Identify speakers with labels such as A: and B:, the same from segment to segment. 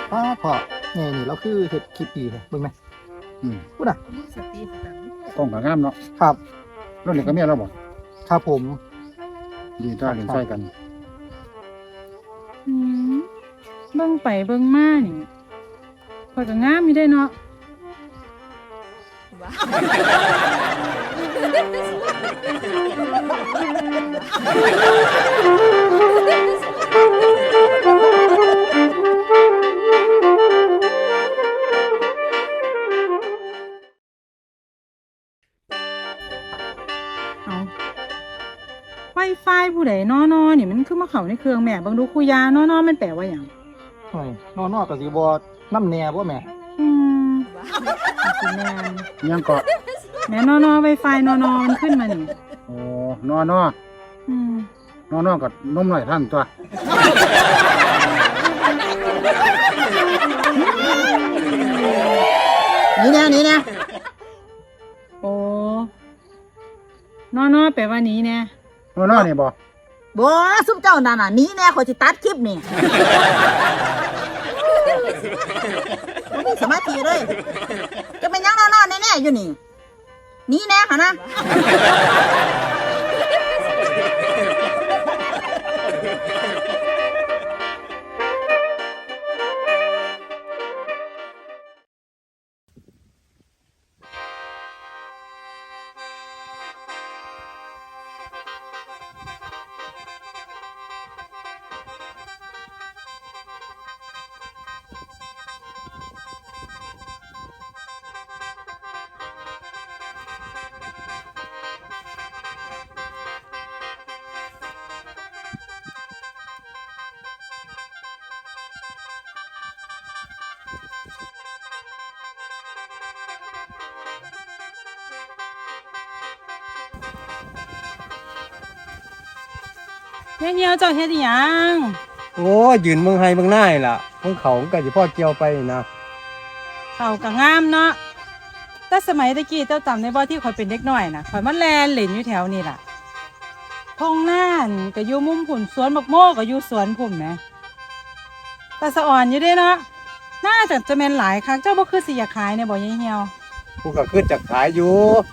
A: ป้าพอไงนี่เราคือเห็ดคลิปดีเลยเบิ่งไหมพูดอ่ะ
B: สติสตังค์
C: ต้องกับงามเนาะ
A: ครับ
C: รถเหล็กก็เมียเราบอก
A: ครับผม
C: ดีต้าเล่นใส่กัน
B: อืมเบิ่งไปเบิ่งมานี่ข่อยก็งามอยู่ได้เนาะเอาไวไฟผู้ใดนอนนี่มันคือมาเข้าในเครื่องแม่เบิ่งดูคุยานอนมันแปลว่าหยัง
A: หน่อยนอนกับสีบอน้ำแหน่บ่แม่
B: อืมสิแม่น
C: ยังเกาะ
B: แม่นอไวไฟนอมันขึ้นมานี่
C: โอ้นอนอ
B: อืม
C: นอนกับนมหน่อยท่านตัว
D: นี่นะ
B: โอ้นอแปลว่านี้แน่
C: นอนนี่บ่
D: บ่ซุปเจ้านั่นน่ะหนี้แน่ขอยสิตัดคลิปนี่บ่มีสมาธิเลยจะเป็นหยังนอนๆแน่ๆอยู่นี่หนี้แน่ค่ะนะ
B: เฮียเจ้าเฮ็ดอีหยัง
E: โอ้ยยืนเมืองไฮเมืองหน้านี่ล่ะของเขาก็สิพ่อเกี่ยวไปนะ
B: เขาก็งามเนาะแต่สมัยตะกี้เจ้าจำได้บ่ที่ข่อยเป็นเด็กน้อยน่ะข่อยมาแลนเล่นอยู่แถวนี่ล่ะทงหน้านก็อยู่มุมพุ่นสวนบักโมก็อยู่สวนพุ่นแหมแต่สะอ่อนอยู่เด้เนาะน่าจะแม่นหลายคักเจ้าบ่คือสิอยากขายเนี่ยบ่ยายเหี่ยว
E: กูก็ขึ้นจากขายอยู่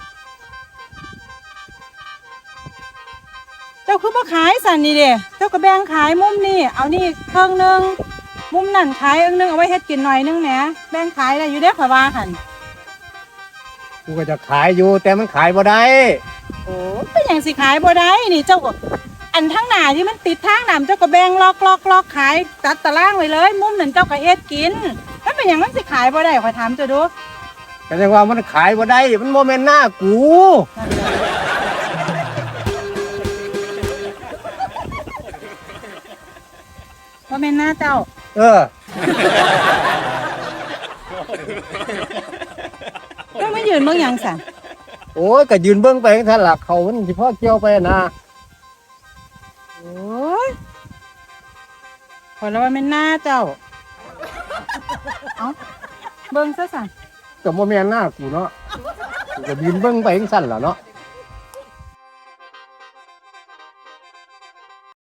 B: เจ้าคือบ่ขายสันนี่เด้เจ้าก็แบ่งขายมุมนี่เอานี่เครื่องนึงมุมนั่นขายอันนึงเอาไว้เฮ็ดกินหน่อยนึงแหมแบ่งขายได้อยู่เด้ข่อยว่าหั่น
E: กูก็จะขายอยู่แต่มันขายบ่ได้
B: โอ้เป็นหยังสิขายบ่ได้นี่เจ้าก็อันทั้งหน้าที่มันติดทางน้ำเจ้าก็แบ่งล็อกขายตัดตารางไว้เลย มุมนั้นเจ้าก็เฮ็ดกินแล้วเป็นหยังมันสิขายบ่ได้ข่อยถามเจ้าดู
E: ก็จังว่ามันขายบ่ได้มันบ่แม่นหน้ากู
B: ว่าแม่นหน้าเจ้า
E: เออ
B: เจ้าไม่ยืนเบิ่งหยังสั่น
E: โอ้ยก็ยืนเบิ่งไปจังซั่นล่ะเขามันสิพ่อเกี่ยวไปนะ
B: โอ้ยขอยแล้วว่าแม่นหน้าเจ้าเอ้าเบิ่งซะสั่น
E: ก็บ่แม่นหน้ากูเนาะกูก็ยืนเบิ่งไปจังซั่นล่ะเนาะ